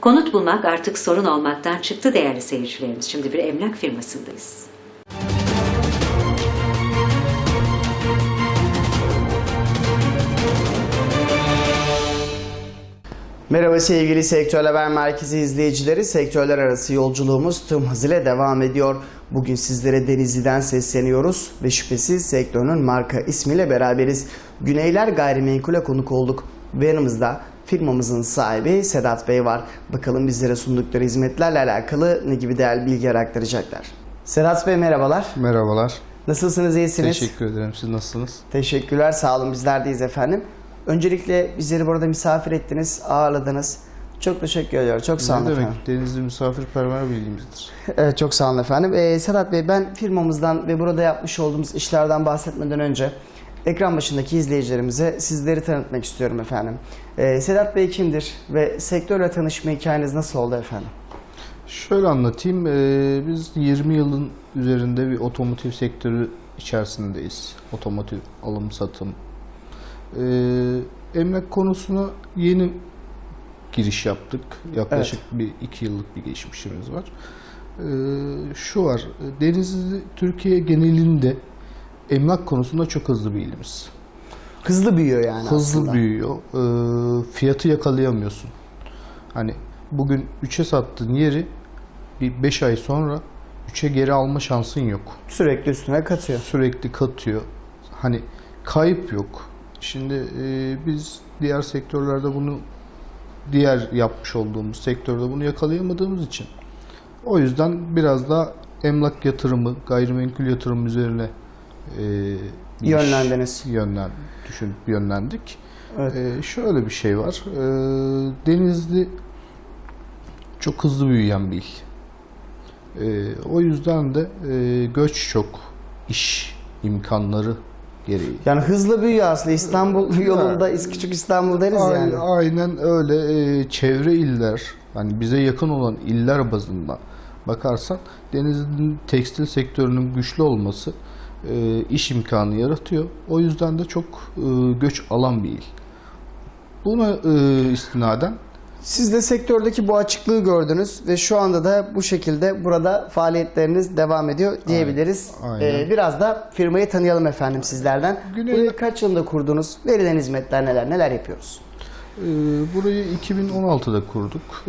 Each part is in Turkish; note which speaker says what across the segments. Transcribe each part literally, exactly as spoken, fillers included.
Speaker 1: Konut bulmak artık sorun olmaktan çıktı değerli seyircilerimiz. Şimdi bir emlak firmasındayız.
Speaker 2: Merhaba sevgili Sektör Haber Merkezi izleyicileri. Sektörler arası yolculuğumuz tüm hızıyla devam ediyor. Bugün sizlere Denizli'den sesleniyoruz ve şüphesiz sektörün marka ismiyle beraberiz. Güneyler Gayrimenkul'e konuk olduk ve yanımızda firmamızın sahibi Sedat Bey var. Bakalım bizlere sundukları hizmetlerle alakalı ne gibi değerli bilgiler aktaracaklar. Sedat Bey merhabalar.
Speaker 3: Merhabalar.
Speaker 2: Nasılsınız, iyisiniz?
Speaker 3: Teşekkür ederim. Siz nasılsınız?
Speaker 2: Teşekkürler, sağ olun. Bizler deyiz efendim. Öncelikle bizleri burada misafir ettiniz, ağırladınız. Çok teşekkür ediyorum. Çok sağ olun
Speaker 3: ne
Speaker 2: efendim.
Speaker 3: demek? Denizli misafirperver bilgimizdir.
Speaker 2: Evet, çok sağ olun efendim. Ee, Sedat Bey, ben firmamızdan ve burada yapmış olduğumuz işlerden bahsetmeden önce ekran başındaki izleyicilerimize sizleri tanıtmak istiyorum efendim. Ee, Sedat Bey kimdir ve sektörle tanışma hikayeniz nasıl oldu efendim?
Speaker 3: Şöyle anlatayım. Ee, biz yirmi yılın üzerinde bir otomotiv sektörü içerisindeyiz. Otomotiv alım satım. Ee, emlak konusuna yeni giriş yaptık. Yaklaşık evet. bir iki yıllık bir geçmişimiz var. Ee, şu var, Denizli Türkiye genelinde emlak konusunda çok hızlı bir ilimiz.
Speaker 2: Hızlı büyüyor yani
Speaker 3: Hızlı
Speaker 2: aslında.
Speaker 3: büyüyor. Ee, fiyatı yakalayamıyorsun. Hani bugün üçe sattığın yeri bir beş ay sonra üçe geri alma şansın yok.
Speaker 2: Sürekli üstüne katıyor.
Speaker 3: Sürekli katıyor. Hani kayıp yok. Şimdi e, biz diğer sektörlerde bunu, diğer yapmış olduğumuz sektörde bunu yakalayamadığımız için o yüzden biraz da emlak yatırımı, gayrimenkul yatırımı üzerine e,
Speaker 2: yönlendiniz.
Speaker 3: Yönlen, düşünüp yönlendik.
Speaker 2: Evet.
Speaker 3: E, şöyle bir şey var. E, Denizli çok hızlı büyüyen bir il. E, o yüzden de e, göç çok, iş imkanları gereği.
Speaker 2: Yani hızlı büyüyor aslında. İstanbul yolunda, ya, küçük İstanbul deriz
Speaker 3: aynen,
Speaker 2: yani.
Speaker 3: Aynen öyle. E, çevre iller, hani bize yakın olan iller bazında bakarsan Denizli'nin tekstil sektörünün güçlü olması e, iş imkanı yaratıyor. O yüzden de çok e, göç alan bir il. Buna e, istinaden
Speaker 2: siz de sektördeki bu açıklığı gördünüz ve şu anda da bu şekilde burada faaliyetleriniz devam ediyor diyebiliriz.
Speaker 3: Aynen. Aynen.
Speaker 2: Ee, biraz da firmayı tanıyalım efendim sizlerden.
Speaker 3: Güney...
Speaker 2: Burayı kaç yılında kurdunuz? Verilen hizmetler neler? Neler yapıyoruz?
Speaker 3: Ee, burayı iki bin on altıda kurduk. Ee,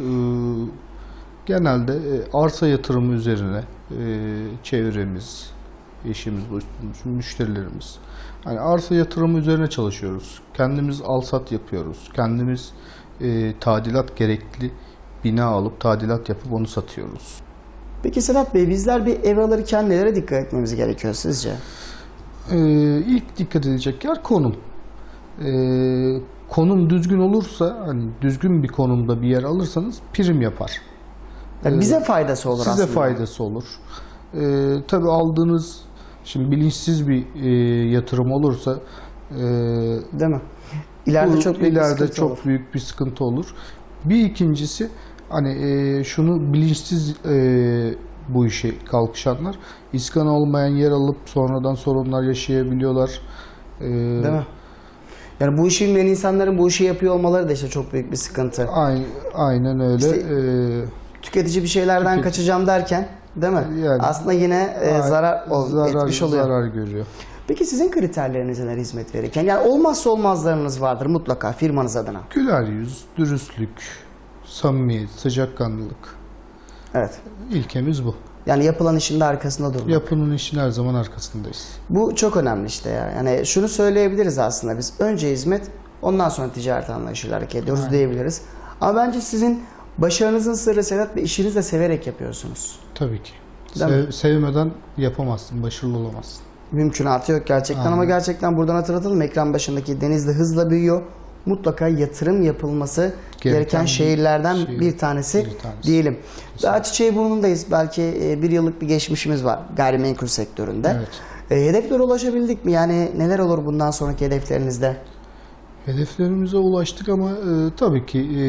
Speaker 3: genelde e, arsa yatırımı üzerine e, çevremiz, eşimiz, dostumuz, müşterilerimiz. Yani arsa yatırımı üzerine çalışıyoruz. Kendimiz alsat yapıyoruz. Kendimiz E, tadilat gerekli bina alıp tadilat yapıp onu satıyoruz.
Speaker 2: Peki Sedat Bey, bizler bir ev alırken nelere dikkat etmemiz gerekiyor sizce?
Speaker 3: E, ilk dikkat edecek yer konum. E, konum düzgün olursa, hani düzgün bir konumda bir yer alırsanız prim yapar.
Speaker 2: Yani bize faydası olur
Speaker 3: size
Speaker 2: aslında.
Speaker 3: Size faydası olur. E, tabii aldığınız, şimdi bilinçsiz bir e, yatırım olursa e,
Speaker 2: değil mi? İleride
Speaker 3: Bu,
Speaker 2: çok büyük
Speaker 3: ileride
Speaker 2: bir
Speaker 3: çok
Speaker 2: olur.
Speaker 3: büyük bir sıkıntı olur. Bir ikincisi, hani e, şunu bilinçsiz e, bu işe kalkışanlar iskan olmayan yer alıp sonradan sorunlar yaşayabiliyorlar. E,
Speaker 2: Değil mi? Yani bu işi bilmeyen insanların bu işi yapıyor olmaları da işte çok büyük bir sıkıntı.
Speaker 3: Aynen, aynen öyle.
Speaker 2: İşte,
Speaker 3: e,
Speaker 2: tüketici bir şeylerden tüketici. kaçacağım derken, değil mi?
Speaker 3: Yani,
Speaker 2: aslında yine e, zarar, ol,
Speaker 3: zarar
Speaker 2: etmiş oluyor.
Speaker 3: Zarar görüyor.
Speaker 2: Peki sizin kriterleriniz neler hizmet verirken? Yani olmazsa olmazlarınız vardır mutlaka firmanız adına.
Speaker 3: Güler yüz, dürüstlük, samimiyet, sıcakkanlılık.
Speaker 2: Evet.
Speaker 3: İlkemiz bu.
Speaker 2: Yani yapılan işin de arkasında durmak.
Speaker 3: Yapının işin her zaman arkasındayız.
Speaker 2: Bu çok önemli işte ya. Yani şunu söyleyebiliriz aslında biz. Önce hizmet, ondan sonra ticaret anlayışıyla hareket ediyoruz Aynen. diyebiliriz. Ama bence sizin başarınızın sırrı Sedat Bey, işinizi de severek yapıyorsunuz.
Speaker 3: Tabii ki. Sev, sevmeden yapamazsın, başarılı olamazsın.
Speaker 2: Mümkünatı yok gerçekten. Aynen. Ama gerçekten buradan hatırlatalım, ekran başındaki Denizli hızla büyüyor. Mutlaka yatırım yapılması gereken, gereken şehirlerden şehir, bir, tanesi bir tanesi diyelim. Daha Çiçeğiburnundayız. Belki bir yıllık bir geçmişimiz var gayrimenkul sektöründe. Evet. E, hedeflere ulaşabildik mi? Yani neler olur bundan sonraki hedeflerinizde?
Speaker 3: Hedeflerimize ulaştık ama e, tabii ki e,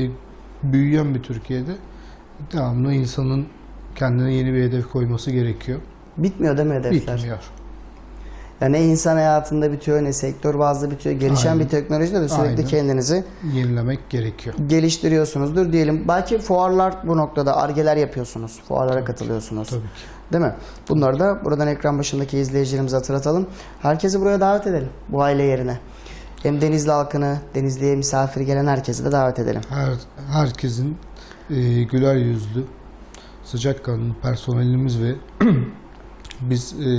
Speaker 3: büyüyen bir Türkiye'de devamlı insanın kendine yeni bir hedef koyması gerekiyor.
Speaker 2: Bitmiyor değil mi hedefler?
Speaker 3: Bitmiyor.
Speaker 2: Yani ne insan hayatında bitiyor, ne sektör bazlı bitiyor. Gelişen
Speaker 3: Aynen.
Speaker 2: bir teknolojide de sürekli
Speaker 3: Aynen.
Speaker 2: kendinizi
Speaker 3: Yenilemek gerekiyor.
Speaker 2: geliştiriyorsunuzdur diyelim. Belki fuarlar bu noktada argeler yapıyorsunuz. Fuarlara katılıyorsunuz.
Speaker 3: Tabii ki.
Speaker 2: Değil mi? Bunları da buradan ekran başındaki izleyicilerimize hatırlatalım. Herkesi buraya davet edelim. Bu aile yerine. Hem Denizli halkını, Denizli'ye misafir gelen herkesi de davet edelim.
Speaker 3: Her herkesin e, güler yüzlü, sıcakkanlı personelimiz ve biz e,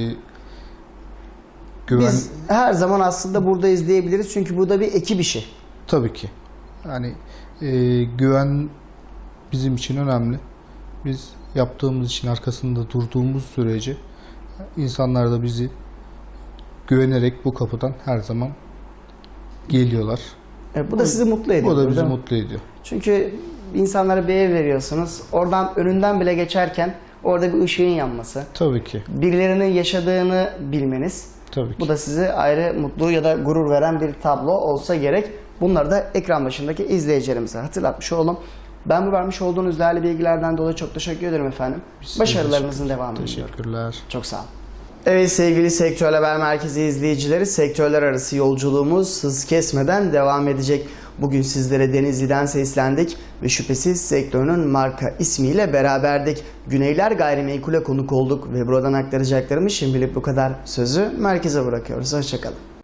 Speaker 3: güven
Speaker 2: Biz her zaman aslında burada izleyebiliriz. Çünkü bu da bir ekip işi.
Speaker 3: tabii ki. Yani e, güven bizim için önemli. Biz yaptığımız için arkasında durduğumuz sürece insanlar da bizi güvenerek bu kapıdan her zaman geliyorlar.
Speaker 2: E, bu da sizi mutlu ediyor.
Speaker 3: Bu da bizi
Speaker 2: değil mi?
Speaker 3: mutlu ediyor.
Speaker 2: Çünkü insanlara bir ev veriyorsunuz. Oradan önünden bile geçerken orada bir ışığın yanması.
Speaker 3: Tabii ki.
Speaker 2: Birilerinin yaşadığını bilmeniz.
Speaker 3: Tabii ki.
Speaker 2: Bu da size ayrı mutlu ya da gurur veren bir tablo olsa gerek. Bunları da ekran başındaki izleyicilerimize hatırlatmış olalım. Ben bu vermiş olduğunuz değerli bilgilerden dolayı çok teşekkür ederim efendim.
Speaker 3: Biz
Speaker 2: Başarılarınızın devamını diliyorum.
Speaker 3: Teşekkürler.
Speaker 2: Çok sağ olun. Evet sevgili Sektör Haber Merkezi izleyicileri, sektörler arası yolculuğumuz hız kesmeden devam edecek. Bugün sizlere Denizli'den seslendik ve şüphesiz sektörünün marka ismiyle beraberdik. Güneyler Gayrimenkul'e konuk olduk ve buradan aktaracaklarımız şimdilik bu kadar. Sözü merkeze bırakıyoruz. Hoşçakalın.